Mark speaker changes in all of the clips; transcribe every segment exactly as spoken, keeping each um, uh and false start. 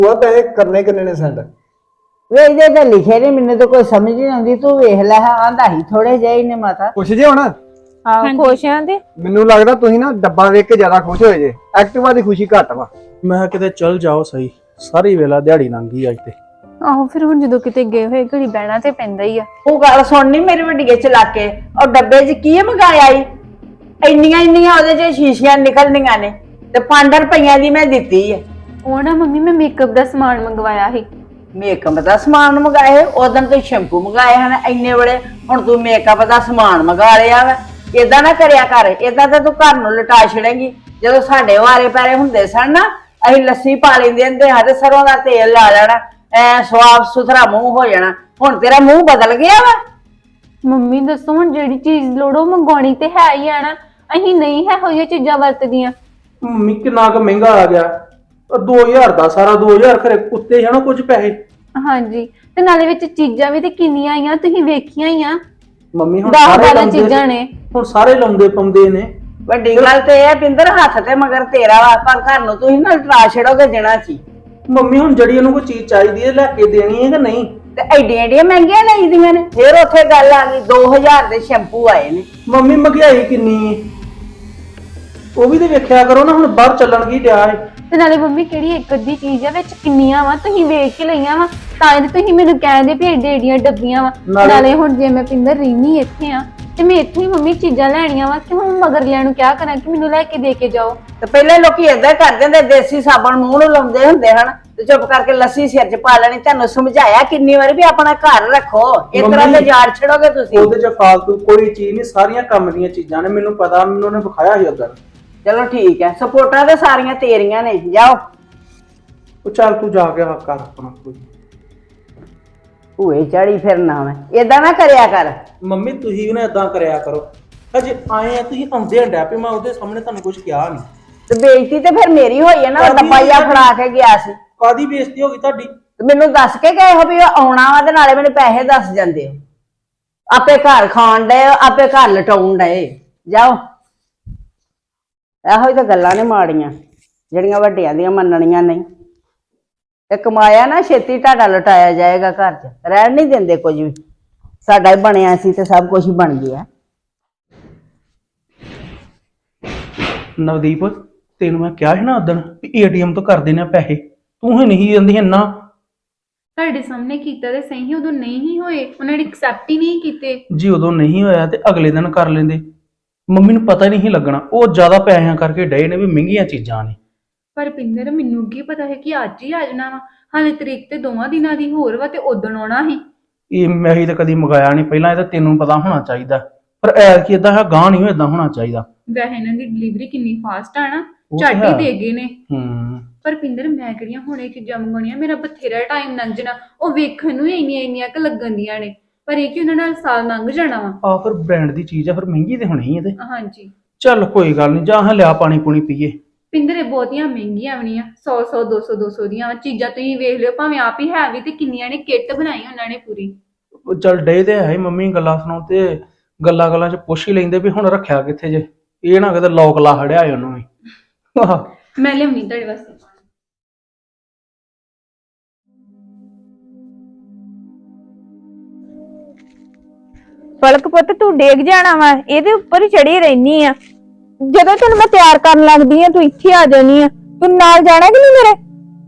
Speaker 1: ਉਹ ਪੈਸੇ ਕਰਨੇ ਕਿੰਨੇ ਨੇ ਸੈਂਡ?
Speaker 2: ਵੇ ਇਹਦੇ ਤਾਂ ਲਿਖੇ ਨੇ, ਮੈਨੂੰ ਤਾਂ ਕੋਈ ਸਮਝ ਨਹੀਂ ਆਉਂਦੀ। ਤੂੰ ਵੇਖ ਲੈ, ਆਂਦਾ ਹੀ ਥੋੜੇ ਜਿਹੇ ਨੇ ਮਾਤਾ।
Speaker 1: ਖੁਸ਼ ਜੇ ਹੁਣ?
Speaker 3: ਹਾਂ ਖੁਸ਼ ਆਂ ਤੇ
Speaker 1: ਮੈਨੂੰ ਲੱਗਦਾ ਤੁਸੀਂ ਨਾ ਡੱਬਾ ਵੇਖ ਕੇ ਜ਼ਿਆਦਾ ਖੁਸ਼ ਹੋਏ ਜੇ। ਐਕਟਿਵਾ ਦੀ ਖੁਸ਼ੀ ਘੱਟ ਵਾ।
Speaker 4: ਮੈਂ ਕਿਤੇ ਚੱਲ ਜਾਓ ਸਹੀ, ਸਾਰੀ ਵੇਲਾ ਦਿਹਾੜੀ ਲੰਘ ਗਈ ਅੱਜ ਤੇ।
Speaker 3: ਆਹੋ ਫਿਰ ਹੁਣ ਜਦੋਂ ਕਿਤੇ ਗਏ ਹੋਏ ਘੜੀ ਬਹਿਣਾ ਤੇ ਪੈਂਦਾ ਹੀ ਆ।
Speaker 2: ਉਹ ਗੱਲ ਸੁਣਨੀ ਮੇਰੀ ਵੱਡੀਏ ਚਲਾ ਕੇ, ਉਹ ਡੱਬੇ 'ਚ ਕੀ ਮੰਗਾਇਆ ਈ? ਇੰਨੀਆਂ ਇੰਨੀਆਂ ਉਹਦੇ 'ਚ ਸ਼ੀਸ਼ੀਆਂ ਨਿਕਲਣੀਆਂ ਨੇ ਤੇ ਪੰਜ ਰੁਪਈਆਂ ਦੀ ਮੈਂ ਦਿੱਤੀ ਹੈ।
Speaker 3: ਉਹ ਨਾ ਮੰਮੀ ਮੈਂ ਮੇਕਅਪ ਦਾ ਸਮਾਨ ਮੰਗਵਾਇਆ ਸੀ।
Speaker 2: ਮੇਕਅਪ ਦਾ ਸਮਾਨ ਮੰਗਾਏ? ਉਦੋਂ ਤੂੰ ਸ਼ੈਂਪੂ ਮੰਗਾਏ ਹਨ ਇੰਨੇ ਬੜੇ, ਹੁਣ ਤੂੰ ਮੇਕਅਪ ਦਾ ਸਮਾਨ ਮੰਗਾ ਲਿਆ ਵਾ। ਏਦਾਂ ਨਾ ਕਰਿਆ ਕਰ, ਏਦਾਂ ਤਾਂ ਤੂੰ ਘਰ ਨੂੰ ਲਟਾ ਛੜੇਂਗੀ। ਜਦੋਂ ਸਾਡੇ ਵਾਰੇ ਪੈਰੇ ਹੁੰਦੇ ਸਨ ਨਾ, ਅਸੀਂ ਲੱਸੀ ਪਾ ਲੈਂਦੇ ਹੁੰਦੇ ਹਾਂ ਤੇ ਸਰੋਂ ਦਾ ਤੇਲ ਲਾ ਲੈਣਾ, ਐ ਸਾਫ ਸੁਥਰਾ ਮੂੰਹ ਹੋ ਜਾਣਾ। ਹੁਣ ਤੇਰਾ ਮੂੰਹ ਬਦਲ ਗਿਆ ਵਾ।
Speaker 3: ਮੰਮੀ ਦੱਸੋ ਹੁਣ ਜਿਹੜੀ ਚੀਜ਼ ਲੋੜੋ ਮੰਗਵਾਉਣੀ ਤੇ ਹੈ ਹੀ ਆ ਨਾ। ਅਸੀਂ ਨਹੀਂ ਹੈ ਹੋਈਆਂ ਚੀਜ਼ਾਂ ਵਰਤਦੀਆਂ।
Speaker 4: ਮੰਮੀ ਕਿੰਨਾ ਕੁ ਮਹਿੰਗਾ ਆ ਗਿਆ, ਦੋ ਹਜ਼ਾਰ ਦਾ ਸਾਰਾ, ਦੋ ਹਜ਼ਾਰ ਖਰੇ ਉੱਤੇ ਹੈ ਨਾ ਕੁਝ ਪੈਸੇ।
Speaker 3: ਹਾਂਜੀ ਤੇ ਨਾਲੇ ਵਿੱਚ ਚੀਜ਼ਾਂ ਵੀ ਤੇ ਕਿੰਨੀਆਂ ਆਈਆਂ, ਤੁਸੀਂ ਵੇਖੀਆਂ ਹੀ ਆ।
Speaker 4: ਮੰਮੀ ਹੁਣ
Speaker 3: ਦਸ
Speaker 4: ਸਾਰੇ
Speaker 3: ਬਾਰਾਂ
Speaker 4: ਲਾਉਂਦੇ
Speaker 3: ਚੀਜ਼ਾਂ ਨੇ।
Speaker 4: ਹੁਣ ਸਾਰੇ ਲਾਉਂਦੇ ਪਾਉਂਦੇ ਨੇ।
Speaker 2: ਵੱਡੀ ਗੱਲ ਤੇ ਇਹ ਪਿੰਦਰ ਹੱਥ ਤੇ ਮਗਰ ਤੇਰਾ ਵਾ, ਪਰ ਘਰ ਨੂੰ ਤੁਸੀਂ ਨਾ ਲਟਾ ਛੜੋਗੇ ਦੇਣਾ ਸੀ।
Speaker 4: ਮੰਮੀ ਹੁਣ ਜਿਹੜੀ ਉਹਨੂੰ ਕੋਈ ਚੀਜ਼ ਚਾਹੀਦੀ ਹੈ ਲੈ ਕੇ ਦੇਣੀ ਹੈ ਕਿ ਨਹੀਂ?
Speaker 2: ਤੇ ਐਡੀਆਂ ਐਡੀਆਂ ਮਹਿੰਗੀਆਂ ਲਈਦੀਆਂ ਨੇ। ਫਿਰ ਉੱਥੇ ਗੱਲ ਆ ਗਈ ਦੋ ਹਜ਼ਾਰ ਦੇ ਸ਼ੈਂਪੂ ਆਏ ਨੇ।
Speaker 4: ਮੰਮੀ ਮਹਿੰਗਾਈ ਕਿੰਨੀ ਹੈ ਉਹ ਵੀ ਤੇ ਵੇਖਿਆ ਕਰੋ ਨਾ, ਹੁਣ ਬਾਹਰ ਚੱਲਣ ਕੀ ਡਿਆ ਹੈ।
Speaker 3: ਤੇ ਨਾਲੇ ਮੰਮੀ ਕਿਹੜੀ ਇੱਕ ਅੱਧੀ ਚੀਜ਼ ਆ, ਵਿੱਚ ਕਿੰਨੀਆਂ ਵਾ ਤੁਸੀਂ ਵੇਖ ਕੇ ਲਈਆਂ ਵਾ। ਤਾਂ ਇਹ ਤੁਸੀਂ ਮੈਨੂੰ ਕਹਿੰਦੇ ਵੀ ਏਡੇ ਏਡੀਆਂ ਡੱਬੀਆਂ ਵਾ।
Speaker 4: ਨਾਲੇ-
Speaker 3: ਨਾਲੇ ਹੁਣ ਜੇ ਮੈਂ ਪਿੰਦਰ ਰਹਿਨੀ ਇੱਥੇ ਆ ਤੇ ਮੈਂ ਇੱਥੇ ਹੀ ਮੰਮੀ ਚੀਜ਼ਾਂ ਲੈਣੀਆਂ ਵਾ, ਕਿ ਹੁਣ ਮਗਰ ਲਿਆਂ ਨੂੰ ਕਿਆ ਕਰਾਂ ਕਿ ਮੈਨੂੰ ਲੈ ਕੇ ਦੇ ਕੇ ਜਾਓ।
Speaker 2: ਤੇ ਪਹਿਲੇ ਲੋਕੀ ਏਦਾਂ ਕਰਦੇ ਹੁੰਦੇ, ਦੇਸੀ ਸਾਬਣ ਮੂੰਹ ਨੂੰ ਲਾਉਂਦੇ ਹੁੰਦੇ ਹਨ ਤੇ ਚੁੱਪ ਕਰਕੇ ਲੱਸੀ ਸਿਰ 'ਚ ਪਾ ਲੈਣੀ। ਤੁਹਾਨੂੰ ਸਮਝਾਇਆ ਕਿੰਨੀ ਵਾਰੀ ਵੀ ਆਪਣਾ ਘਰ ਰੱਖੋ, ਇਸ ਤਰ੍ਹਾਂ ਦੇ ਜਾੜ ਛੜੋਗੇ ਤੁਸੀਂ।
Speaker 4: ਉਹਦੇ 'ਚ ਫਾਲਤੂ ਕੋਈ ਚੀਜ਼ ਨਹੀਂ, ਸਾਰੀਆਂ ਕੰਮ ਦੀਆਂ ਚੀਜ਼ਾਂ ਨੇ। ਮੈਨੂੰ ਪਤਾ, ਮੈਨੂੰ ਉਹਨੇ ਵਿਖਾਇਆ ਸੀ ਉਧਰ।
Speaker 2: ਚਲੋ ਠੀਕ ਹੈ, ਸਪੋਰਟਾਂ ਤੇ ਸਾਰੀਆਂ ਤੇਰੀਆਂ ਨੇ, ਜਾਓ।
Speaker 4: ਉਹ ਚੱਲ ਤੂੰ ਜਾ ਕੇ ਹੱਕ ਕਰ ਆਪਣਾ ਕੋਈ।
Speaker 2: ਭੂਏ ਚੜੀ ਫਿਰਨਾ ਮੈਂ, ਏਦਾਂ ਨਾ ਕਰਿਆ ਕਰ।
Speaker 4: ਮੰਮੀ ਤੁਸੀਂ ਵੀ ਨਾ ਏਦਾਂ ਕਰਿਆ ਕਰੋ। ਅਜੇ ਆਏ ਆ ਤੁਸੀਂ ਆਉਂਦੇ ਹੰਡਿਆ ਪਏ, ਮੈਂ ਉਹਦੇ ਸਾਹਮਣੇ ਤੁਹਾਨੂੰ ਕੁਝ ਕਿਹਾ ਨਹੀਂ।
Speaker 2: ਤੇ ਬੇਇੱਜ਼ਤੀ ਤੇ ਫਿਰ ਮੇਰੀ ਹੋਈ ਹੈ ਨਾ,
Speaker 4: ਕਾਹਦੀ
Speaker 2: ਡੱਬਾਈਆ
Speaker 4: ਹੋਈ
Speaker 2: ਫੜਾ ਕੇ ਗਿਆ ਸੀ।
Speaker 4: ਕਾਦੀ ਬੇਇੱਜ਼ਤੀ ਹੋ ਗਈ ਤੁਹਾਡੀ?
Speaker 2: ਤੇ ਮੈਨੂੰ ਦੱਸ ਕੇ ਗਏ ਹੋ ਵੀ ਉਹ ਆਉਣਾ ਵਾ, ਤੇ ਨਾਲੇ ਮੈਨੂੰ ਪੈਸੇ ਦੱਸ ਜਾਂਦੇ ਹੋ। ਆਪੇ ਘਰ ਖਾਣ ਡਏ, ਆਪੇ ਘਰ ਲਟਾਉਣ ਡਏ। ਜਾਓ। ਇਹੋ ਹੀ ਤਾਂ ਗੱਲਾਂ ਨੇ ਮਾੜੀਆਂ ਜਿਹੜੀਆਂ ਵੱਡਿਆਂ ਦੀਆਂ ਮੰਨਣੀਆਂ ਨਹੀਂ। ਤੇ ਕਮਾਇਆ ਨਾ ਛੇਤੀ ਤੁਹਾਡਾ ਲਟਾਇਆ ਜਾਏਗਾ, ਘਰ 'ਚ ਰਹਿਣ ਨਹੀਂ ਦਿੰਦੇ ਕੁਝ ਵੀ। ਸਾਡਾ ਹੀ ਬਣਿਆ ਸੀ ਤੇ ਸਭ ਕੁਝ ਹੀ ਬਣ ਗਿਆ।
Speaker 4: ਨਵਦੀਪ ਤੈਨੂੰ ਮੈਂ ਕਿਹਾ ਸੀ ਨਾ ਉਦੋਂ ਵੀ ਏਟੀਐਮ ਤੋਂ ਕਰ ਦੇਣੇ ਪੈਸੇ, ਤੂੰ ਹੀ ਨਹੀਂ ਜਾਂਦੀ ਇੰਨਾ।
Speaker 3: ਤੁਹਾਡੇ ਸਾਹਮਣੇ ਕੀਤਾ ਤੇ ਸਹੀ, ਉਦੋਂ ਨਹੀਂ ਹੀ ਹੋਏ, ਉਹਨਾਂ ਨੇ ਐਕਸੈਪਟ ਹੀ ਨਹੀਂ ਕੀਤੇ।
Speaker 4: ਜੀ ਉਦੋਂ ਨਹੀਂ ਹੋਇਆ ਤੇ ਅਗਲੇ ਦਿਨ ਕਰ ਲੈਂਦੇ। ਮੰਮੀ ਨੂੰ ਪਤਾ ਨਹੀਂ ਲੱਗਣਾ, ਉਹ ਜ਼ਿਆਦਾ ਪੈਸਿਆਂ ਕਰਕੇ ਡਏ ਨੇ ਵੀ ਮਹਿੰਗੀਆਂ ਚੀਜ਼ਾਂ ਨੇ।
Speaker 3: ਪਰ ਪਿੰਦਰ ਮੈਨੂੰ ਕੀ ਪਤਾ ਹੈ ਕਿ ਅੱਜ ਹੀ ਆ ਜਾਣਾ ਵਾ। ਹਾਲੇ ਤਰੀਕ ਤੇ ਦੋਵਾਂ ਦਿਨਾਂ ਦੀ ਹੋਰ ਵਾ ਤੇ ਉਦੋਂ ਆਉਣਾ ਸੀ।
Speaker 4: ਇਹ ਮੈਂ ਹੀ ਤਾਂ ਕਦੀ ਮੰਗਾਇਆ ਨਹੀਂ ਪਹਿਲਾਂ, ਇਹ ਤਾਂ ਤੈਨੂੰ ਪਤਾ ਹੋਣਾ ਚਾਹੀਦਾ। ਪਰ ਐਰ ਕੀ ਏਦਾਂ ਹੈ, ਗਾਂ ਨਹੀਂ ਏਦਾਂ ਹੋਣਾ ਚਾਹੀਦਾ।
Speaker 3: ਵੈਸੇ ਇਹਨਾਂ ਦੀ ਡਿਲੀਵਰੀ ਕਿੰਨੀ ਫਾਸਟ ਆ ਨਾ,
Speaker 4: ਉਹ
Speaker 3: ਝੱਟ
Speaker 4: ਤਾਂ
Speaker 3: ਹੀ
Speaker 4: ਹੈ।
Speaker 3: ਦੇ ਗਏ ਨੇ।
Speaker 4: ਹੂੰ
Speaker 3: ਪਰ ਪਿੰਦਰ ਮੈਂ ਕਿਹੜੀਆਂ ਹੁਣੇ ਚੀਜ਼ਾਂ ਮੰਗਾਉਣੀਆਂ, ਮੇਰਾ ਬਥੇਰਾ ਟਾਈਮ ਲੰਘ ਜਾਣਾ। ਉਹ ਵੇਖਣ ਨੂੰ ਹੀ ਇੰਨੀਆਂ ਇੰਨੀਆਂ ਕੁ ਲੱਗਣ ਦੀਆਂ ਨੇ, ਪਰ ਇਹ ਕਿ ਉਹਨਾਂ ਨਾਲ ਸਾਲ ਲੰਘ ਜਾਣਾ ਵਾ।
Speaker 4: ਆ ਫਿਰ ਬ੍ਰਾਂਡ ਦੀ ਚੀਜ਼ ਆ, ਫਿਰ ਮਹਿੰਗੀ ਤੇ ਹੋਣੀ ਹੈ ਤੇ।
Speaker 3: ਹਾਂਜੀ
Speaker 4: ਚੱਲ ਕੋਈ ਗੱਲ ਨਹੀਂ, ਜਾਂ ਹਾਂ ਲਿਆ ਪਾਣੀ ਪੂਣੀ ਪੀਏ।
Speaker 3: ਪਿੰਦਰ ਇਹ ਬਹੁਤੀਆਂ ਮਹਿੰਗੀਆਂ ਵੀ ਨਹੀਂ ਆ, ਸੌ ਸੌ ਦੋ ਸੌ ਦੋ ਸੌ ਦੀਆਂ ਵਾ ਚੀਜ਼ਾਂ। ਤੁਸੀਂ ਵੇਖ ਲਿਓ, ਭਾਵੇਂ ਆਪ ਹੀ ਹੈ ਵੀ ਤੇ ਕਿੰਨੀਆਂ ਨੇ ਕਿੱਟ ਬਣਾਈ ਉਹਨਾਂ ਨੇ ਪੂਰੀ।
Speaker 4: ਉਹ ਚੱਲ ਡੇ ਤੇ ਹੈ ਹੀ, ਮੰਮੀ ਗੱਲਾਂ ਸੁਣਾਉ ਤੇ ਗੱਲਾਂ ਗੱਲਾਂ 'ਚ ਪੁੱਛ ਹੀ ਲੈਂਦੇ ਵੀ ਹੁਣ ਰੱਖਿਆ ਕਿੱਥੇ ਜੇ। ਇਹ ਨਾ ਕਿਤੇ ਲੋਕ ਲਾ ਹੜਿਆ ਏ ਉਹਨੂੰ ਵੀ।
Speaker 3: ਮੈਂ ਲਿਆਉਣੀ ਤੁਹਾਡੇ ਵਾਸਤੇ।
Speaker 5: ਪਲਕ ਪੁੱਤ ਤੂੰ ਡੇਗ ਜਾਣਾ ਵਾ, ਇਹਦੇ ਉੱਪਰ ਹੀ ਚੜੀ ਰਹਿਨੀ ਆ। ਜਦੋਂ ਤੈਨੂੰ ਮੈਂ ਤਿਆਰ ਕਰਨ ਲੱਗਦੀ ਆ ਤੂੰ ਇੱਥੇ ਆ ਜਾਨੀ ਆ। ਤੂੰ ਨਾਲ ਜਾਣਾ ਕਿ ਨਹੀਂ ਮੇਰੇ?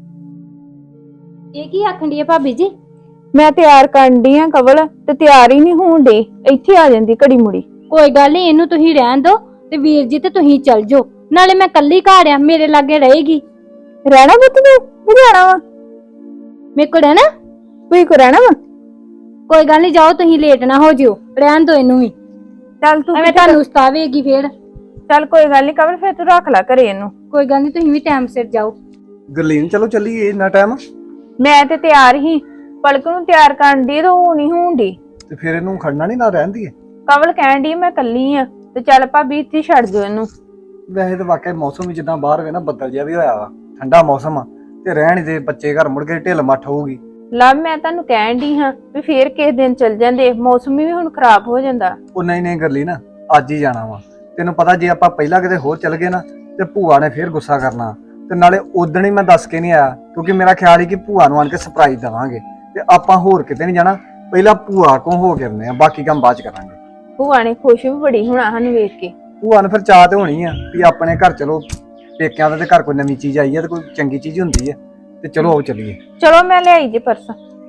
Speaker 6: ਇਹ ਕੀ ਆਖਣ ਦੀ ਆ ਭਾਬੀ ਜੀ?
Speaker 5: ਮੈਂ ਤਿਆਰ ਕਰਨ ਦੀ ਆ ਕਵਲ, ਤੇ ਤਿਆਰ ਹੀ ਨਹੀਂ ਹੋਣ ਡੇ, ਇੱਥੇ ਆ ਜਾਂਦੀ ਘੜੀ ਮੁੜੀ।
Speaker 6: ਕੋਈ ਗੱਲ ਨਹੀਂ, ਇਹਨੂੰ ਤੁਸੀਂ ਰਹਿਣ ਦਿਓ ਤੇ ਵੀਰ ਜੀ ਤੇ ਤੁਸੀਂ ਚੱਲ ਜਾਓ। ਨਾਲੇ ਮੈਂ ਕੱਲੀ ਘਰ ਆ, ਮੇਰੇ ਲਾਗੇ ਰਹੇਗੀ।
Speaker 5: ਰਹਿਣਾ ਪੁੱਤ ਤੂੰ ਵੀ ਜਾਣਾ ਵਾ?
Speaker 6: ਮੇਰੇ ਕੋਲ ਰਹਿਣਾ?
Speaker 5: ਤੂੰ ਕੋ ਰਹਿਣਾ ਵਾ?
Speaker 6: ਕੋਈ ਗੱਲ ਨਹੀਂ, ਜਾਓ ਤੁਸੀਂ, ਲੇਟ ਨਾ ਹੋ ਜਿਓ। ਰਹਿਣ ਦਿਓ ਇਹਨੂੰ ਵੀ,
Speaker 5: ਚੱਲ ਤੂੰ
Speaker 6: ਐਵੇਂ ਤੁਹਾਨੂੰ ਸਤਾਵੇਗੀ ਫੇਰ।
Speaker 5: ਚੱਲ ਕੋਈ ਗੱਲ ਨਹੀਂ ਕਵਲ, ਫਿਰ ਤੂੰ ਰੱਖ ਲੈ ਘਰੇ ਇਹਨੂੰ।
Speaker 6: ਕੋਈ ਗੱਲ ਨਹੀਂ, ਤੁਸੀਂ ਵੀ ਟਾਈਮ ਸਿਰ ਜਾਓ।
Speaker 1: ਗਰਲੀਨ ਚਲੋ ਚੱਲੀਏ, ਇੰਨਾ ਟਾਈਮ।
Speaker 5: ਮੈਂ ਤੇ ਤਿਆਰ ਹੀ, ਪਲਕ ਨੂੰ ਤਿਆਰ ਕਰਨ ਦੀ, ਤੇ ਉਹ ਨਹੀਂ ਹੋਣ ਦੀ।
Speaker 1: ਤੇ ਫਿਰ ਇਹਨੂੰ ਖੜਨਾ ਨਹੀਂ, ਨਾ ਰਹਿੰਦੀ ਹੈ।
Speaker 5: ਕਵਲ ਕਹਿਣ ਦੀ ਮੈਂ ਕੱਲੀ ਆ, ਤੇ ਚੱਲ ਭਾਬੀ ਇੱਥੇ ਛੱਡ ਦਿਓ ਇਹਨੂੰ।
Speaker 1: ਵੈਸੇ ਤਾਂ ਵਾਕਿਆ ਮੌਸਮ ਵੀ ਜਿੱਦਾਂ ਬਾਹਰ ਵੇ ਨਾ, ਬੱਦਲ ਜਿਹਾ ਵੀ ਹੋਇਆ ਵਾ, ਠੰਡਾ ਮੌਸਮ ਆ, ਤੇ ਰਹਿਣ ਦੇ ਬੱਚੇ ਘਰ ਮੁੜ ਕੇ ਢਿੱਲ ਮੱਠ ਹੋਊਗੀ।
Speaker 5: ਲਵ ਮੈਂ ਤੁਹਾਨੂੰ ਕਹਿਣ ਦੀ ਹਾਂ ਵੀ ਫੇਰ ਕਿਸੇ ਦਿਨ ਚੱਲ ਜਾਂਦੇ, ਮੌਸਮ ਵੀ ਹੁਣ ਖਰਾਬ ਹੋ ਜਾਂਦਾ।
Speaker 1: ਉਹ ਨਹੀਂ ਨਹੀਂ ਗਰਲੀ ਨਾ, ਅੱਜ ਹੀ ਜਾਣਾ ਵਾ। ਤੈਨੂੰ ਪਤਾ ਜੇ ਆਪਾਂ ਪਹਿਲਾਂ ਕਿਤੇ ਹੋਰ ਚੱਲ ਗਏ ਨਾ ਤੇ ਭੂਆ ਨੇ ਫੇਰ ਗੁੱਸਾ ਕਰਨਾ। ਤੇ ਨਾਲੇ ਉਦਣ ਹੀ ਮੈਂ ਦੱਸ ਕੇ ਨਹੀਂ ਆਇਆ ਕਿਉਂਕਿ ਮੇਰਾ ਖਿਆਲ ਸੀ ਕਿ ਭੂਆ ਨੂੰ ਆਣ ਕੇ ਸਰਪ੍ਰਾਈਜ਼ ਦੇਵਾਂਗੇ ਤੇ ਆਪਾਂ ਹੋਰ ਕਿਤੇ ਨਹੀਂ ਜਾਣਾ, ਪਹਿਲਾਂ ਭੂਆ ਕੋਲ ਹੋ ਕੇ ਆਉਂਦੇ ਆ, ਬਾਕੀ ਕੰਮ ਬਾਅਦ ਚ ਕਰਾਂਗੇ।
Speaker 5: ਭੂਆ ਨੇ ਖੁਸ਼ ਵੀ ਬੜੀ ਹੋਣਾ ਸਾਨੂੰ ਵੇਖ ਕੇ।
Speaker 1: ਭੂਆ ਨੂੰ ਫਿਰ ਚਾਹ ਤੇ ਹੋਣੀ ਆ ਵੀ ਆਪਣੇ ਘਰ ਚਲੋ, ਪੇਕਿਆਂ ਦਾ ਤੇ ਘਰ ਕੋਈ ਨਵੀਂ ਚੀਜ਼ ਆਈ ਆ ਤੇ ਕੋਈ ਚੰਗੀ ਚੀਜ਼ ਹੁੰਦੀ ਆ, ਤੇ ਚਲੋ ਆਓ ਚੱਲੀਏ।
Speaker 5: ਚਲੋ ਮੈਂ ਲਿਆਈ ਜੇ ਪਰਸ।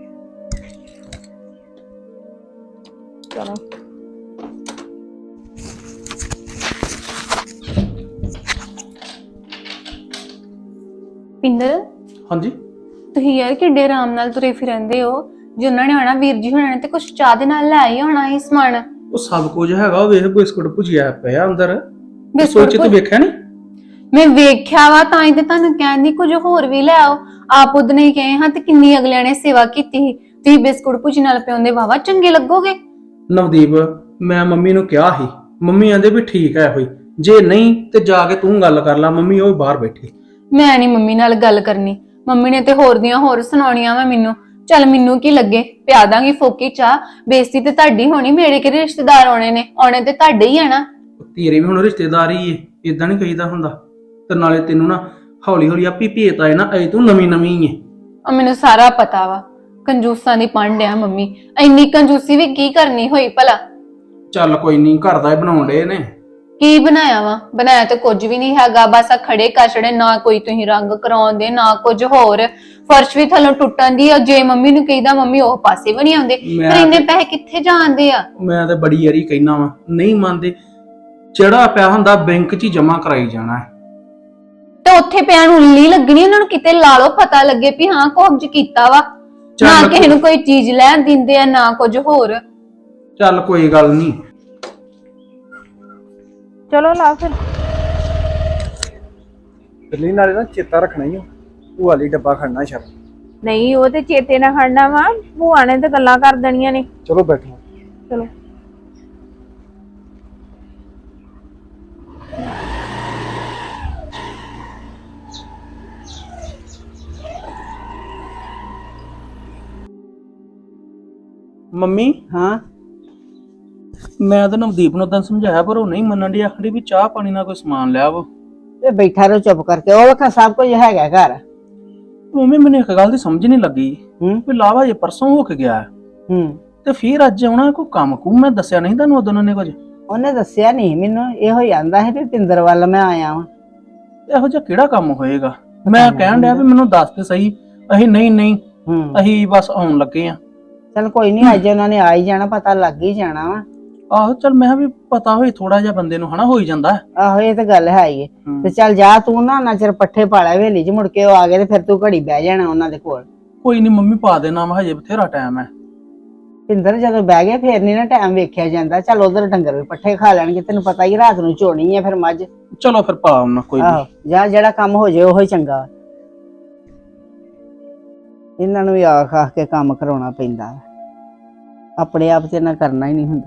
Speaker 5: ਚਲੋ
Speaker 3: ਪਿੰਦਰ,
Speaker 4: ਹਾਂਜੀ
Speaker 3: ਤੁਸੀਂ ਯਾਰ ਕਿੱਡੇ ਆਰਾਮ ਨਾਲ ਤੁਰੇ ਫਿਰੰਦੇ ਹੋ। ਜੇ ਉਹਨਾਂ ਨੇ ਆਣਾ ਵੀਰ ਜੀ ਹੋਣਾ ਨੇ ਤੇ ਕੁਛ ਚਾਹ ਦੇ ਨਾਲ ਲੈ ਹੀ ਆਉਣਾ ਸੀ ਸਮਾਨ।
Speaker 4: ਉਹ ਸਭ ਕੁਝ ਹੈਗਾ, ਉਹ ਵੇਖ ਬਿਸਕੁਟ ਭੁਜਿਆ ਪਿਆ ਅੰਦਰ।
Speaker 3: ਬਿਸਕੁਟ
Speaker 4: ਸੋਚ ਤੇ ਵੇਖਿਆ ਨਹੀਂ?
Speaker 3: ਮੈਂ ਵੇਖਿਆ ਵਾ ਤਾਂ ਹੀ ਤੇ ਤੁਹਾਨੂੰ ਕਹਿੰਦੀ ਕੁਝ ਹੋਰ ਵੀ ਲੈ ਆਓ। ਆਪ ਉਦਨ ਹੀ ਕਹੇ ਹਾਂ ਤੇ ਕਿੰਨੀ ਅਗਲਿਆਂ ਨੇ ਸੇਵਾ ਕੀਤੀ ਸੀ। ਤੁਸੀਂ ਬਿਸਕੁਟ ਭੁਜੀ ਨਾਲ ਪਿਆਉਂਦੇ ਵਾਵਾ ਚੰਗੇ ਲੱਗੋਗੇ।
Speaker 4: ਨਵਦੀਪ, ਮੈਂ ਮੰਮੀ ਨੂੰ ਕਿਹਾ ਸੀ, ਮੰਮੀ ਆਂਦੇ ਵੀ ਠੀਕ ਹੈ ਹੋਈ, ਜੇ ਨਹੀਂ ਤੇ ਜਾ ਕੇ ਤੂੰ ਗੱਲ ਕਰ ਲੈ। ਮੰਮੀ ਉਹ ਬਾਹਰ ਬੈਠੀ।
Speaker 3: ਮੈਂ ਨਹੀਂ ਮੰਮੀ ਨਾਲ ਗੱਲ ਕਰਨੀ, ਮੰਮੀ ਨੇ ਤੇ ਹੋਰ ਦੀਆਂ ਹੋਰ ਸੁਣਾਉਣੀਆਂ ਵਾ ਮੈਨੂੰ। ਚੱਲ ਮੈਨੂੰ ਕੀ ਲੱਗੇ, ਪਿਆ ਦਾਂਗੀ ਫੋਕੀ ਚਾਹ। ਬੇਇੱਜ਼ਤੀ ਤੇ ਤੁਹਾਡੀ ਹੋਣੀ, ਮੇਰੇ ਕਿਹੜੇ ਰਿਸ਼ਤੇਦਾਰ ਆਉਣੇ ਨੇ, ਆਉਣੇ ਤੇ ਤੁਹਾਡੇ ਹੀ ਆ ਨਾ।
Speaker 4: ਤੇਰੇ ਵੀ ਹੁਣ ਰਿਸ਼ਤੇਦਾਰੀ ਏ, ਇਦਾਂ ਨਹੀਂ ਕਹੀਦਾ ਹੁੰਦਾ। ਤੇ ਨਾਲੇ ਤੈਨੂੰ ਨਾ ਹੌਲੀ ਹੌਲੀ ਆਪੀ ਭੇਤ ਆਏ ਨਾ, ਅਜੇ ਤੂੰ ਨਵੀਂ ਨਵੀਂ ਏ।
Speaker 3: ਉਹ ਮੈਨੂੰ ਸਾਰਾ ਪਤਾ ਵਾ, ਕੰਜੂਸਾਂ ਦੀ ਪੰਡ ਆ ਮੰਮੀ। ਇੰਨੀ ਕੰਜੂਸੀ ਵੀ ਕੀ ਕਰਨੀ ਹੋਈ ਭਲਾ।
Speaker 4: ਚੱਲ ਕੋਈ ਨਹੀਂ, ਘਰ ਦਾ ਹੀ ਬਣਾਉਣ ਡੇ ਨੇ।
Speaker 3: ਕੀ ਬਣਾਇਆ ਵਾ? ਬਣਾਇਆ ਤੇ ਕੁਝ ਵੀ ਨਹੀਂ ਹੈਗਾ, ਬਸ ਆ ਖੜੇ ਕਛੜੇ, ਨਾ ਕੋਈ ਤੁਸੀਂ ਰੰਗ ਕਰਾਉਂਦੇ ਨਾ ਕੁਝ ਹੋਰ। ਫਰਸ਼ ਵੀ ਥੱਲੋਂ ਟੁੱਟਣ ਦੀ ਆ। ਜੇ ਮੰਮੀ ਨੂੰ ਕਹੀਦਾ ਮੰਮੀ ਉਹ ਪਾਸੇ ਵੀ ਨਹੀਂ ਆਉਂਦੇ।
Speaker 4: ਮੈਂ
Speaker 3: ਪਰ ਇੰਨੇ
Speaker 4: ਤੇ-
Speaker 3: ਪੈਸੇ ਕਿੱਥੇ ਜਾਂਦੇ ਆ?
Speaker 4: ਮੈਂ ਤੇ ਬੜੀ ਯਾਰੀ ਕਹਿਣਾ ਵਾ, ਨਹੀਂ ਮੰਨਦੇ। ਜਿਹੜਾ ਪਿਆ ਹੁੰਦਾ ਬੈਂਕ 'ਚ ਹੀ ਜਮਾ ਕਰਾਈ ਜਾਣਾ ਹੈ।
Speaker 3: ਤੇ ਉੱਥੇ ਪਿਆ ਨੂੰ ਉੱਲੀ ਲੱਗਣੀ, ਉਹਨਾਂ ਨੂੰ ਕਿਤੇ ਲਾ ਲਓ, ਪਤਾ ਲੱਗੇ ਵੀ ਹਾਂ ਕੁਝ ਕੀਤਾ ਵਾ।
Speaker 4: ਚੱਲ
Speaker 3: ਨਾ
Speaker 4: ਕੋਈ-
Speaker 3: ਕਿਸੇ ਨੂੰ ਕੋਈ ਚੀਜ਼ ਲੈਣ ਦਿੰਦੇ ਆ ਨਾ ਕੁਝ ਹੋਰ।
Speaker 4: ਚੱਲ ਕੋਈ ਗੱਲ ਨਹੀਂ।
Speaker 5: ਚਲੋ ਲਾ ਫਿਰ।
Speaker 1: ਦਿੱਲੀ ਨਾਲੇ ਨਾ ਚੇਤਾ ਰੱਖਣਾ ਹੀ ਆ, ਭੂਆ ਲਈ ਡੱਬਾ ਖੜਨਾ ਸ਼ਰ।
Speaker 5: ਨਹੀਂ ਉਹ ਤੇ ਚੇਤੇ ਨਾਲ ਖੜਨਾ ਵਾ, ਭੂਆ ਨੇ ਤੇ ਗੱਲਾਂ ਕਰ ਦੇਣੀਆਂ ਨੇ।
Speaker 1: ਚਲੋ ਬੈਠੋ।
Speaker 5: ਚਲੋ
Speaker 4: ਮੰਮੀ,
Speaker 2: ਹਾਂ
Speaker 4: ਮੈਂ ਤਾਂ ਨਵਦੀਪ ਨੂੰ ਤਾਂ ਸਮਝਾਇਆ ਪਰ ਉਹ ਨਹੀਂ ਮੰਨਣ ਦੀ। ਆਖੜੀ ਵੀ ਚਾਹ ਪਾਣੀ ਨਾਲ ਕੋਈ ਸਮਾਨ ਲਿਆ ਵਾ।
Speaker 2: ਤੇ ਬੈਠਾ ਰਹੋ ਚੁੱਪ ਕਰਕੇ, ਉਹ ਵੇਖਾਂ ਸਭ ਕੁਝ ਹੈਗਾ ਘਰ।
Speaker 4: ਮੰਮੀ ਮੈਨੂੰ ਇੱਕ ਗੱਲ ਦੀ ਸਮਝ ਨਹੀਂ ਲੱਗੀ
Speaker 2: ਹੂੰ
Speaker 4: ਵੀ ਲਾਵਾ ਇਹ ਪਰਸੋਂ ਹੋ ਕੇ ਗਿਆ
Speaker 2: ਹੂੰ
Speaker 4: ਤੇ ਫਿਰ ਅੱਜ ਆਉਣਾ ਕੋਈ ਕੰਮ ਕੁਮ। ਮੈਂ ਦੱਸਿਆ ਨਹੀਂ ਤੁਹਾਨੂੰ ਉਦੋਂ ਨੇ ਕੁਝ?
Speaker 2: ਉਹਨੇ ਦੱਸਿਆ ਨਹੀਂ ਮੈਨੂੰ, ਇਹੋ ਹੀ ਆਂਦਾ ਹੈ ਵੀ ਪਿੰਦਰ ਵੱਲ ਮੈਂ ਆਇਆ ਵਾਂ।
Speaker 4: ਇਹੋ ਜਿਹਾ ਕਿਹੜਾ ਕੰਮ ਹੋਏਗਾ? ਮੈਂ ਕਹਿਣ ਡਿਆ ਵੀ ਮੈਨੂੰ ਦੱਸ ਤੇ ਸਹੀ। ਅਸੀਂ ਨਹੀਂ ਨਹੀਂ
Speaker 2: ਹੂੰ
Speaker 4: ਅਸੀਂ ਬਸ ਆਉਣ ਲੱਗੇ ਆ।
Speaker 2: ਚਲ ਕੋਈ ਨਹੀਂ, ਅੱਜ ਉਹਨਾਂ ਨੇ ਆ ਹੀ ਜਾਣਾ, ਪਤਾ ਲੱਗ ਹੀ ਜਾਣਾ ਵਾ।
Speaker 4: ਆਹੋ ਚੱਲ, ਮੈਂ ਕਿਹਾ ਵੀ ਪਤਾ ਹੋਈ ਥੋੜਾ ਜਿਹਾ ਬੰਦੇ ਨੂੰ ਹਨਾ, ਹੋ ਹੀ ਜਾਂਦਾ।
Speaker 2: ਆਹੋ ਇਹ ਤਾਂ ਗੱਲ ਹੈ ਹੀ ਹੈ।
Speaker 4: ਹੂੰ।
Speaker 2: ਤੇ ਚੱਲ ਜਾ ਤੂੰ ਨਾ ਨਾ ਚਿਰ ਪੱਠੇ ਪਾ ਲੈ ਹਵੇਲੀ 'ਚ, ਮੁੜ ਕੇ ਉਹ ਆ ਗਏ ਤੇ ਫਿਰ ਤੂੰ ਘੜੀ ਬਹਿ ਜਾਣਾ ਉਹਨਾਂ ਦੇ ਕੋਲ।
Speaker 4: ਕੋਈ ਨਹੀਂ ਮੰਮੀ, ਪਾ ਦੇਣਾ ਵਾ, ਹਜੇ ਬਥੇਰਾ ਟਾਈਮ ਹੈ।
Speaker 2: ਪਿੰਦਰ ਜਦੋਂ ਬਹਿ ਗਏ ਫੇਰ ਨਹੀਂ ਨਾ ਟਾਈਮ ਵੇਖਿਆ ਜਾਂਦਾ। ਚੱਲ ਉਧਰ ਡੰਗਰ ਵੀ ਪੱਠੇ ਖਾ ਲੈਣਗੇ, ਤੈਨੂੰ ਪਤਾ ਹੀ ਰਾਤ ਨੂੰ ਝੋਣੀ ਹੈ ਫਿਰ ਮੱਝ।
Speaker 4: ਚਲੋ ਫਿਰ ਪਾ ਆਉਣਾ, ਕੋਈ
Speaker 2: ਆਹੋ
Speaker 4: ਨਹੀਂ।
Speaker 2: ਜਾਂ ਜਿਹੜਾ ਕੰਮ ਹੋ ਜਾਏ ਉਹ ਹੀ ਚੰਗਾ। ਇਹਨਾਂ ਨੂੰ ਵੀ ਆਖ ਆਖ ਕੇ ਕੰਮ ਕਰਾਉਣਾ ਪੈਂਦਾ, ਆਪਣੇ ਆਪ ਤੇ ਨਾ ਕਰਨਾ ਹੀ ਨਹੀਂ ਹੁੰਦਾ।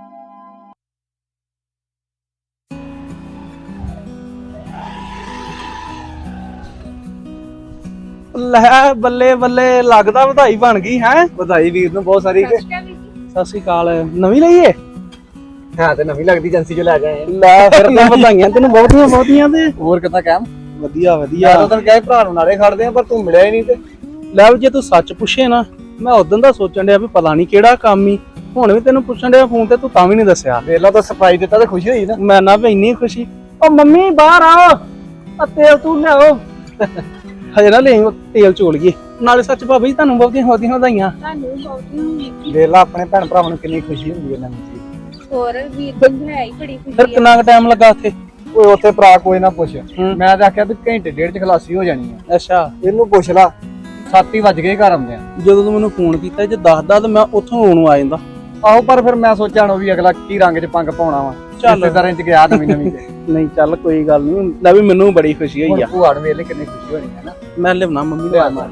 Speaker 4: ਲੈ ਬੱਲੇ ਬੱਲੇ, ਲੱਗਦਾ ਵਧਾਈ ਬਣ ਗਈ ਹੈ।
Speaker 1: ਵਧਾਈ ਵੀਰ ਨੂੰ ਬਹੁਤ ਸਾਰੀ।
Speaker 4: ਸਤਿ ਸ਼੍ਰੀ ਅਕਾਲ। ਨਵੀਂ ਲਈਏ?
Speaker 1: ਹਾਂ ਤੇ ਨਵੀਂ ਲੱਗਦੀ ਏਜੰਸੀ ਚੋਂ ਲੈ ਗਏ।
Speaker 4: ਲੈ ਫਿਰ ਤਾਂ ਵਧਾਈਆਂ ਤੈਨੂੰ ਬਹੁਤੀਆਂ ਬਹੁਤੀਆਂ। ਤੇ
Speaker 1: ਹੋਰ ਕਿੱਦਾਂ ਕਹਿਮ?
Speaker 4: ਵਧੀਆ
Speaker 1: ਮੈਂ
Speaker 4: ਵਧੀਆ।
Speaker 1: ਤਾਂ ਤੈਨੂੰ ਕਿਹਾ ਸੀ ਭਰਾ ਨੂੰ ਨਾਲੇ ਖੜਦੇ ਆ, ਪਰ ਤੂੰ ਮਿਲਿਆ ਹੀ ਨਹੀਂ। ਤੇ
Speaker 4: ਲੈ ਵੀ ਜੇ ਤੂੰ ਸੱਚ ਪੁੱਛੇ ਨਾ, ਮੈਂ ਉਦੋਂ ਦਾ ਸੋਚਣ ਡਿਆ ਵੀ ਪਤਾ ਨਹੀਂ ਕਿਹੜਾ ਕੰਮ ਹੀ। ਹੁਣ ਵੀ ਤੈਨੂੰ ਪੁੱਛਣ ਡਿਆ ਫੋਨ ਤੇ, ਤੂੰ ਤਾਂ ਵੀ ਨਹੀਂ ਦੱਸਿਆ।
Speaker 1: ਵੇਲਾ ਤਾਂ ਸਰਪ੍ਰਾਈਜ਼ ਦਿੱਤਾ ਤੇ ਖੁਸ਼ੀ ਹੋਈ ਨਾ।
Speaker 4: ਮੈਂ ਨਾ ਵੀ ਇੰਨੀ ਖੁਸ਼ੀ। ਉਹ ਮੰਮੀ ਬਾਹਰ ਆਓ, ਆ ਤੇਲ ਤੂੰ ਲਿਆਓ। ਹਜੇ ਨਾ ਲੈ ਤੇਲ ਚੋਲੀਏ। ਨਾਲੇ ਸੱਚ ਭਾਬੀ ਜੀ ਤੁਹਾਨੂੰ ਬਹੁਤੀਆਂ ਬਹੁਤੀਆਂ ਵਧਾਈਆਂ।
Speaker 5: ਤੁਹਾਨੂੰ ਬਹੁਤੀਆਂ
Speaker 1: ਵੇਲਾ ਆਪਣੇ ਭੈਣ ਭਰਾਵਾਂ ਨੂੰ ਕਿੰਨੀ ਖੁਸ਼ੀ ਹੁੰਦੀ ਹੈ ਨਵੀਂ ਚੀਜ਼।
Speaker 5: ਹੋਰ ਵੀਰ ਜੀ ਹੈ ਹੀ ਬੜੀ
Speaker 4: ਫਿਰ
Speaker 5: ਖੁਸ਼ੀ ਆ।
Speaker 4: ਕਿੰਨਾ ਕੁ ਟਾਈਮ ਲੱਗਾ ਉੱਥੇ?
Speaker 1: ਓਏ ਉੱਥੇ ਭਰਾ ਕੋਈ ਨਾ ਪੁੱਛ,
Speaker 4: ਹੂੰ।
Speaker 1: ਮੈਂ ਤਾਂ ਆਖਿਆ ਵੀ ਘੰਟੇ ਡੇਢ ਚ ਖਲਾਸੀ ਹੋ ਜਾਣੀ ਆ।
Speaker 4: ਅੱਛਾ,
Speaker 1: ਇਹਨੂੰ ਪੁੱਛ ਲਾ, ਸੱਤ ਹੀ ਵੱਜ ਗਏ ਘਰ ਆਉਂਦੇ ਆ।
Speaker 4: ਜਦੋਂ ਤੂੰ ਮੈਨੂੰ ਫੋਨ ਕੀਤਾ ਜੇ ਦੱਸਦਾ ਤਾਂ ਮੈਂ ਉੱਥੋਂ ਆਉਣ ਨੂੰ ਆ ਜਾਂਦਾ।
Speaker 1: ਆਹੋ ਪਰ ਫਿਰ ਮੈਂ ਸੋਚਿਆ ਉਹ ਵੀ ਅਗਲਾ ਕੀ ਰੰਗ ਚ ਪੰਗ ਪਾਉਣਾ ਵਾ।
Speaker 4: ਚੱਲ।
Speaker 1: ਰਿਸ਼ਤੇਦਾਰਾਂ ਚ ਗਿਆ ਨਵੀਂ ਨਵੀਂ ਤੇ
Speaker 4: ਨਹੀਂ ਚੱਲ ਕੋਈ ਗੱਲ ਨਹੀਂ। ਲੈ ਵੀ ਮੈਨੂੰ ਬੜੀ ਖੁਸ਼ੀ ਹੋਈ
Speaker 1: ਹੁਣ
Speaker 4: ਆ।
Speaker 1: ਭੂਆ ਨੂੰ ਵੇਲੇ ਕਿੰਨੀ ਖੁਸ਼ੀ ਹੋਣੀ ਹੈ ਨਾ।
Speaker 4: ਮੈਂ ਲਿਆਉਣਾ ਮੰਮੀ ਨੂੰ
Speaker 1: ਲਿਆ
Speaker 4: ਮਾਰ।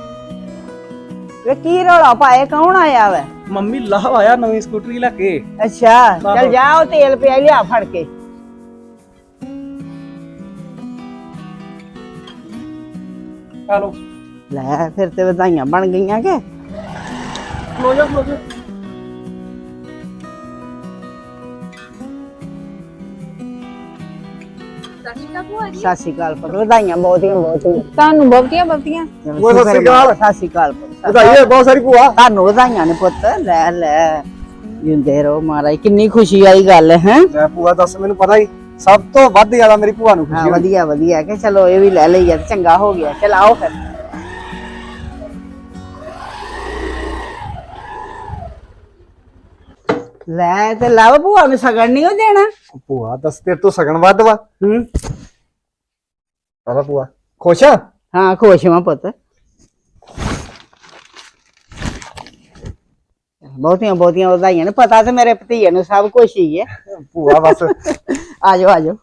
Speaker 2: ਵੇ ਕੀ ਰੌਲਾ ਪਾਏ, ਕੌਣ ਆਇਆ ਵਾ?
Speaker 4: ਮੰਮੀ ਲਾਹ ਆਇਆ ਨਵੀਂ ਸਕੂਟਰੀ ਲੈ ਕੇ।
Speaker 2: ਅੱਛਾ ਚੱਲ ਜਾ, ਉਹ ਤੇਲ ਪਿਆ ਲਿਆ ਫੜ ਕੇ।
Speaker 4: ਚਲੋ
Speaker 2: ਲੈ ਫਿਰ ਤੇ ਵਧਾਈਆਂ ਬਣ ਗਈਆਂ ਕਿ?
Speaker 4: ਖਲੋ ਜਾ ਖਲੋ ਜਾ।
Speaker 5: ਸਤਿ ਸ਼੍ਰੀ ਅਕਾਲ
Speaker 2: ਸਤਿ ਸ਼੍ਰੀ ਅਕਾਲ ਪੁੱਤ, ਵਧਾਈਆਂ ਬਹੁਤੀਆਂ ਬਹੁਤੀਆਂ।
Speaker 5: ਤੁਹਾਨੂੰ ਬਹੁਤੀਆਂ ਬਹੁਤੀਆਂ
Speaker 1: ਓਏ ਸਤਿ ਸ਼੍ਰੀ ਅਕਾਲ।
Speaker 2: ਸਤਿ ਸ਼੍ਰੀ ਅਕਾਲ ਪੁੱਤ।
Speaker 1: ਵਧਾਈ ਹੈ ਬਹੁਤ ਸਾਰੀ ਭੂਆ।
Speaker 2: ਤੁਹਾਨੂੰ ਵਧਾਈਆਂ ਨੇ ਪੁੱਤ, ਲੈ ਲੈ ਜਿੰਦੇ ਰਹੋ ਮਹਾਰਾਜ। ਕਿੰਨੀ ਖੁਸ਼ੀ ਵਾਲੀ ਗੱਲ ਹੈ।
Speaker 1: ਲੈ ਭੂਆ ਦੱਸ, ਮੈਨੂੰ ਪਤਾ ਹੀ ਸਭ ਤੋਂ ਵੱਧ ਜ਼ਿਆਦਾ ਮੇਰੀ ਭੂਆ ਨੂੰ
Speaker 2: ਹਾਂ
Speaker 1: ਖੁਸ਼ੀ ਹੋਈ।
Speaker 2: ਵਧੀਆ ਵਧੀਆ ਕਿ ਚਲੋ ਇਹ ਵੀ ਲੈ ਲਈ ਆ ਤੇ ਚੰਗਾ ਹੋ ਗਿਆ। ਚਲ ਆਓ ਫਿਰ। ਲੈ ਤੇ ਲਵ ਭੂਆ ਨੂੰ ਸਗਨ ਨਹੀਂ ਹੋ ਦੇਣਾ।
Speaker 1: ਭੂਆ ਦੱਸ, ਤੇਰੇ ਤੋਂ ਸਗਨ ਵੱਧ ਵਾ।
Speaker 2: ਹੂੰ
Speaker 1: ਆਵਾ ਭੂਆ ਖੁਸ਼ ਆ?
Speaker 2: ਹਾਂ ਖੁਸ਼ ਹਾਂ ਪੁੱਤ, ਬਹੁਤੀਆਂ ਬਹੁਤੀਆਂ ਵਧਾਈਆਂ ਨੇ। ਪਤਾ ਤੇ ਮੇਰੇ ਭਤੀਜੇ ਨੂੰ ਸਭ ਕੁਝ ਹੀ ਹੈ।
Speaker 1: ਭੂਆ ਬਸ
Speaker 2: ਆਜੋ ਆਜੋ।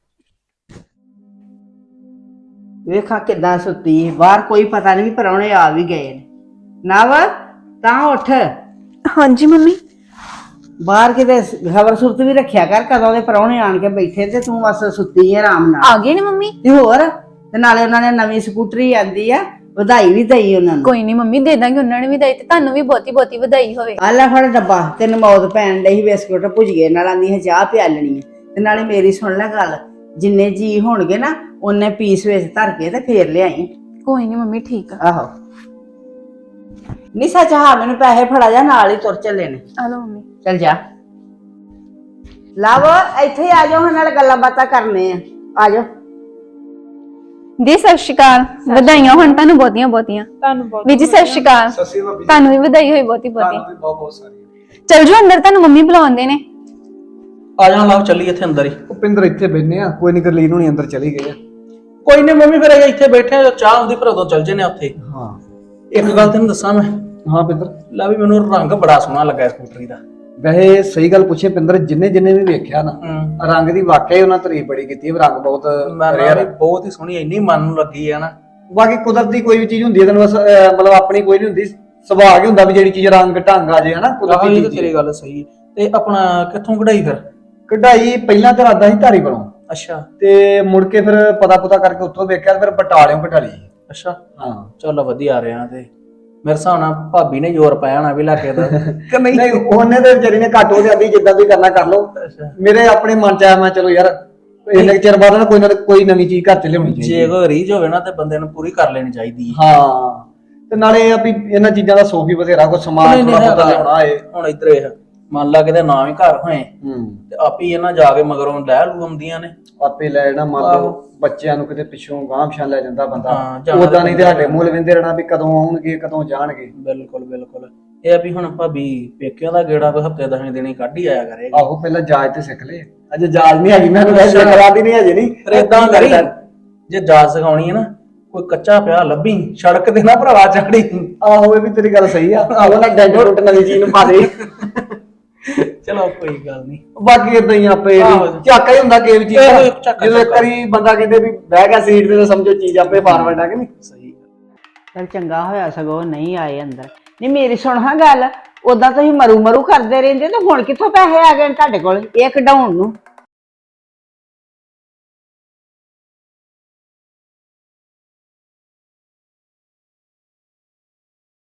Speaker 2: ਵੇਖਾਂ ਕਿੱਦਾਂ ਸੁੱਤੀ ਬਾਹਰ, ਕੋਈ ਪਤਾ ਨਹੀਂ ਵੀ ਪਰੌਣੇ ਆ ਵੀ ਗਏ ਨੇ। ਨਵ ਤਾਂ ਉੱਠ,
Speaker 5: ਹਾਂਜੀ ਮੰਮੀ।
Speaker 2: ਬਾਹਰ ਕਿਤੇ ਖਬਰ ਸੁਰਤ ਵੀ ਰੱਖਿਆ ਕਰ ਕਦੋਂ ਦੇ ਪਰੌਣੇ ਆਣ ਕੇ ਬੈਠੇ ਤੇ ਤੂੰ ਬਸ ਸੁੱਤੀ ਹੈ ਆਰਾਮ ਨਾਲ।
Speaker 5: ਆ ਗਏ ਨੇ ਮੰਮੀ?
Speaker 2: ਤੇ ਹੋਰ, ਤੇ ਨਾਲੇ ਉਹਨਾਂ ਨੇ ਨਵੀਂ ਸਕੂਟਰੀ ਆਂਦੀ ਆ, ਵਧਾਈ ਵੀ ਦਈ ਉਹਨਾਂ ਨੂੰ।
Speaker 3: ਕੋਈ ਨਹੀਂ ਮੰਮੀ, ਦੇ ਦਾਂਗੇ, ਉਹਨਾਂ ਨੇ ਵੀ ਦੇਈ ਤੇ ਤੁਹਾਨੂੰ ਵੀ ਬਹੁਤੀ ਬਹੁਤੀ ਵਧਾਈ ਹੋਵੇ।
Speaker 2: ਆ ਲੈ ਫੜ ਡੱਬਾ, ਤੈਨੂੰ ਮੌਤ ਪੈਣ ਡਈ ਸੀ ਬਿਸਕੁਟ ਭੁਜੀਏ ਨਾਲ, ਆਂਦੀ ਹੈ ਚਾਹ ਪਿਆਲਣੀ ਹੈ। ਤੇ ਨਾਲੇ ਮੇਰੀ ਸੁਣ ਲੈ ਗੱਲ, ਜਿੰਨੇ ਜੀ ਹੋਣਗੇ ਨਾ ਉਹਨੇ ਪੀਸ ਵਿੱਚ ਧਰ ਕੇ ਤੇ ਫੇਰ ਲਿਆਈ।
Speaker 3: ਕੋਈ ਨਹੀਂ ਮੰਮੀ, ਠੀਕ ਆ।
Speaker 2: ਆਹੋ ਨਹੀਂ ਸੱਚ, ਹਾਂ ਮੈਨੂੰ ਪੈਸੇ ਫੜਾ ਜਾ, ਨਾਲ ਹੀ ਤੁਰ ਚੱਲੇ ਨੇ।
Speaker 3: ਆ ਲਓ ਮੰਮੀ।
Speaker 2: ਚੱਲ ਜਾ। ਲਵ ਇੱਥੇ ਆ ਜਾਓ, ਨਾਲ ਗੱਲਾਂ ਬਾਤਾਂ ਕਰਨੇ ਆ। ਆ ਜਾਓ।
Speaker 3: ਜੀ ਸਤਿ ਸ਼੍ਰੀ ਅਕਾਲ, ਵਧਾਈਆਂ ਹੁਣ ਤੁਹਾਨੂੰ ਬਹੁਤੀਆਂ ਬਹੁਤੀਆਂ।
Speaker 5: ਤੁਹਾਨੂੰ ਬਹੁਤ
Speaker 3: ਵੀ ਜੀ ਸਤਿ ਸ਼੍ਰੀ ਅਕਾਲ,
Speaker 1: ਸਸੀ ਭਾਬੀ
Speaker 3: ਤੁਹਾਨੂੰ ਵੀ ਵਧਾਈ ਹੋਈ ਬਹੁਤੀ ਬਹੁਤੀ।
Speaker 1: ਵੀ ਬਹੁਤ ਬਹੁਤ ਸਾਰੀ।
Speaker 3: ਚਲ ਜਾਓ ਅੰਦਰ, ਤੁਹਾਨੂੰ ਮੰਮੀ ਬੁਲਾਉਂਦੇ ਨੇ।
Speaker 4: ਆ ਜਾ ਲਾਓ, ਚੱਲੀ ਇੱਥੇ ਅੰਦਰ ਹੀ।
Speaker 1: ਭੁਪਿੰਦਰ ਇੱਥੇ ਬੈਠੇ ਆ, ਕੋਈ ਨਹੀਂ ਗਰਲੀਨ ਹੁਣੀ ਅੰਦਰ ਚਲੀ ਗਈ ਆ।
Speaker 4: ਕੋਈ ਨਹੀਂ ਮੰਮੀ, ਫਿਰ ਅਸੀਂ ਇੱਥੇ ਬੈਠੇ ਆ, ਚਾਹ ਹੁੰਦੀ ਫਿਰ ਉਦੋਂ ਚੱਲ ਜਨੇ ਉੱਥੇ।
Speaker 1: ਹਾਂ
Speaker 4: ਇੱਕ ਗੱਲ ਤੈਨੂੰ ਦੱਸਾਂ ਮੈਂ,
Speaker 1: ਹਾਂ ਪਿੰਦਰ,
Speaker 4: ਲੈ ਵੀ ਮੈਨੂੰ ਰੰਗ ਬੜਾ ਸੋਹਣਾ ਲੱਗਾ ਸਕੂਟਰੀ ਦਾ।
Speaker 1: ਵੈਸੇ ਸਹੀ ਗੱਲ ਪੁੱਛੇ ਪਿੰਦਰ, ਜਿੰਨੇ ਜਿੰਨੇ ਵੀ ਵੇਖਿਆ ਨਾ
Speaker 4: ਹੂੰ
Speaker 1: ਰੰਗ ਦੀ ਵਾਕਿਆ ਹੀ ਉਹਨਾਂ ਤਾਰੀਫ ਬੜੀ ਕੀਤੀ ਹੈ। ਰੰਗ ਬਹੁਤ
Speaker 4: ਮੈਂ
Speaker 1: rare
Speaker 4: ਵੀ
Speaker 1: ਆ।
Speaker 4: ਬਹੁਤ ਹੀ ਸੋਹਣੀ, ਇੰਨੀ ਮਨ ਨੂੰ ਲੱਗੀ ਆ ਨਾ।
Speaker 1: ਬਾਕੀ ਕੁਦਰਤ ਦੀ ਕੋਈ ਵੀ ਚੀਜ਼ ਹੁੰਦੀ ਹੈ ਤੈਨੂੰ ਬਸ, ਅਹ, ਮਤਲਬ ਆਪਣੀ ਕੋਈ ਨਹੀਂ ਹੁੰਦੀ, ਸੁਭਾਅ ਹੀ ਹੁੰਦਾ ਵੀ ਜਿਹੜੀ ਚੀਜ਼ ਰੰਗ ਢੰਗ ਆ ਜੇ ਹਨਾ।
Speaker 4: ਆਹੋ
Speaker 1: ਕੁਦਰਤੀ
Speaker 4: ਇਹ ਤਾਂ
Speaker 1: ਚੀਜ਼
Speaker 4: ਤੇਰੀ ਗੱਲ ਸਹੀ। ਤੇ ਆਪਣਾ ਕਿੱਥੋਂ ਕਢਾਈ ਫਿਰ?
Speaker 1: ਕਢਾਈ ਪਹਿਲਾਂ ਤਾਂ ਇਰਾਦਾ ਸੀ ਧਾਰੀ ਬਣਾਉ,
Speaker 4: ਅੱਛਾ
Speaker 1: ਤੇ ਮੁੜ ਕੇ ਫਿਰ ਪਤਾ ਪੁਤਾ ਕਰਕੇ ਉੱਥੋਂ ਵੇਖਿਆ, ਫਿਰ ਬਟਾਲਿਓਂ ਕਢਾ ਲਈ।
Speaker 4: ਅੱਛਾ,
Speaker 1: ਹਾਂ
Speaker 4: ਚੱਲ ਵਧੀਆ ਰਿਹਾ। ਤੇ ਮੇਰੇ ਹਿਸਾਬ ਨਾਲ ਭਾਬੀ ਨੇ ਜ਼ੋਰ ਪਾਇਆ ਹੋਣਾ ਵੀ ਲਾਕੇ ਦਾ ਕਿ ਨਹੀਂ?
Speaker 1: ਨਹੀਂ, ਉਹਨੇ ਤੇ ਵਿਚਾਰੀ ਨੇ ਘੱਟ ਹੋ ਜਾਂਦੀ, ਜਿੱਦਾਂ ਵੀ ਕਰਨਾ ਕਰ ਲਓ।
Speaker 4: ਅੱਛਾ,
Speaker 1: ਮੇਰੇ ਆਪਣੇ ਮਨ ਚ ਆਇਆ, ਮੈਂ ਚਲੋ ਯਾਰ ਇੰਨੇ ਚਿਰ ਬਾਅਦ ਨਾ ਕੋਈ ਨਾ ਕੋਈ ਨਵੀਂ ਚੀਜ਼ ਘਰ ਚ ਲਿਆਉਣੀ ਚਾਹੀਦੀ
Speaker 4: ਜੇ ਕੋਈ ਰੀਝ ਹੋਵੇ ਨਾ ਤੇ ਬੰਦੇ ਨੂੰ ਪੂਰੀ ਕਰ ਲੈਣੀ ਚਾਹੀਦੀ ਹੈ।
Speaker 1: ਹਾਂ। ਤੇ ਨਾਲੇ ਇਹ ਆ ਵੀ ਇਹਨਾਂ ਚੀਜ਼ਾਂ ਦਾ ਸੋਖ ਵੀ ਬਥੇਰਾ, ਕੋਈ ਸਮਾਨ
Speaker 4: ਨਹੀਂ, ਨਹੀਂ
Speaker 1: ਥੋੜਾ ਬਹੁਤਾ
Speaker 4: ਹੈਗਾ।
Speaker 1: ਲਿਆਉਣਾ ਏ।
Speaker 4: ਹੁਣ ਇੱਧਰ ਇਹ ਮੰਨ ਲਾ ਕਿਤੇ ਨਾ ਵੀ ਘਰ ਹੋਏ
Speaker 1: ਹੂੰ
Speaker 4: ਤੇ ਆਪੀ ਇਹਨਾਂ ਜਾ ਕੇ ਮਗਰੋਂ ਲੈ ਲੂ ਆਉਂਦੀਆਂ ਨੇ।
Speaker 1: ਆਪੇ ਲੈ ਜਾਣਾ, ਮੰਨ ਲਓ ਬੱਚਿਆਂ ਨੂੰ ਕਿਤੇ ਪਿੱਛੋਂ ਗਾਂਹ ਪਛਾਣ ਲੈ ਜਾਂਦਾ ਬੰਦਾ।
Speaker 4: ਹਾਂ, ਜਾਣਾ
Speaker 1: ਉਦਾਂ
Speaker 4: ਤਾਂ
Speaker 1: ਨਹੀਂ ਤੇ ਸਾਡੇ ਮੂਲ ਵਿੰਦੇ ਰਹਿਣਾ ਵੀ ਕਦੋਂ ਆਉਣਗੇ ਕਦੋਂ ਜਾਣਗੇ।
Speaker 4: ਬਿਲਕੁਲ ਬਿਲਕੁਲ। ਇਹ ਆ ਵੀ ਹੁਣ ਭਾਬੀ ਪੇਕਿਆਂ ਦਾ ਗੇੜਾ ਕੋਈ ਹਫਤੇ ਦਸਵੇਂ ਦਿਨੀ ਕੱਢ ਹੀ ਆਇਆ ਕਰੇਗਾ।
Speaker 1: ਆਹੋ ਪਹਿਲਾਂ ਜਾਜ ਤੇ ਸਿੱਖ ਲੈ, ਅਜੇ ਜਾਜ ਨਹੀਂ ਹੈਗੀ ਮੈਨੂੰ, ਵੈਸੇ ਕਰਾ ਦੀ ਨਹੀਂ ਹਜੇ ਨਹੀਂ।
Speaker 4: ਫਿਰ ਏਦਾਂ ਕਰੀ, ਜੇ ਜਾਚ ਸਿਖਾਉਣੀ ਹੈ ਨਾ, ਕੋਈ ਕੱਚਾ ਪਿਆ ਲੱਭੀ ਸੜਕ ਤੇ ਨਾ ਭਰਾਵਾ ਚਾੜੀ।
Speaker 1: ਆਹੋ ਇਹ ਵੀ ਤੇਰੀ ਗੱਲ ਸਹੀ ਆ, ਆਹੋ ਨਾ ਡੈਂਟ ਡੁੱਟ ਨਵੀਂ ਚੀਜ਼ ਨੂੰ ਪਾ ਦੇ।
Speaker 4: ਚਲੋ ਕੋਈ ਗੱਲ ਨਹੀਂ।
Speaker 1: ਬਾਕੀ ਇਦਾਂ ਹੀ ਆਪੇ
Speaker 4: ਆਹੋ।
Speaker 1: ਝਾਕਾ ਹੀ ਹੁੰਦਾ ਕਿਸੇ ਵੀ ਚੀਜ਼
Speaker 4: ਇਹੋ
Speaker 1: ਦਾ।
Speaker 4: ਹੀ ਝਾਕਾ
Speaker 1: ਜਦੋਂ ਇੱਕ ਵਾਰੀ ਬੰਦਾ ਕਹਿੰਦੇ ਵੀ ਬਹਿ ਗਿਆ ਸੀਟ ਤੇ ਤਾਂ ਸਮਝੋ ਚੀਜ਼ ਆਪੇ ਫਾਰਵਰਡ ਆ ਕਿ ਨਹੀਂ।
Speaker 4: ਸਹੀ
Speaker 2: ਚਲ ਚੰਗਾ ਹੋਇਆ ਸਗੋਂ ਨਹੀਂ ਆਏ ਅੰਦਰ। ਨਹੀਂ ਮੇਰੀ ਸੁਣ ਹਾਂ ਗੱਲ, ਉਦਾਂ ਤੁਸੀਂ ਮਰੂ ਮਰੂ ਕਰਦੇ ਰਹਿੰਦੇ ਤੇ ਹੁਣ ਕਿੱਥੋਂ ਪੈਸੇ ਆ ਗਏ ਨੇ ਤੁਹਾਡੇ ਕੋਲ ਇਹ ਕਢਾਉਣ ਨੂੰ?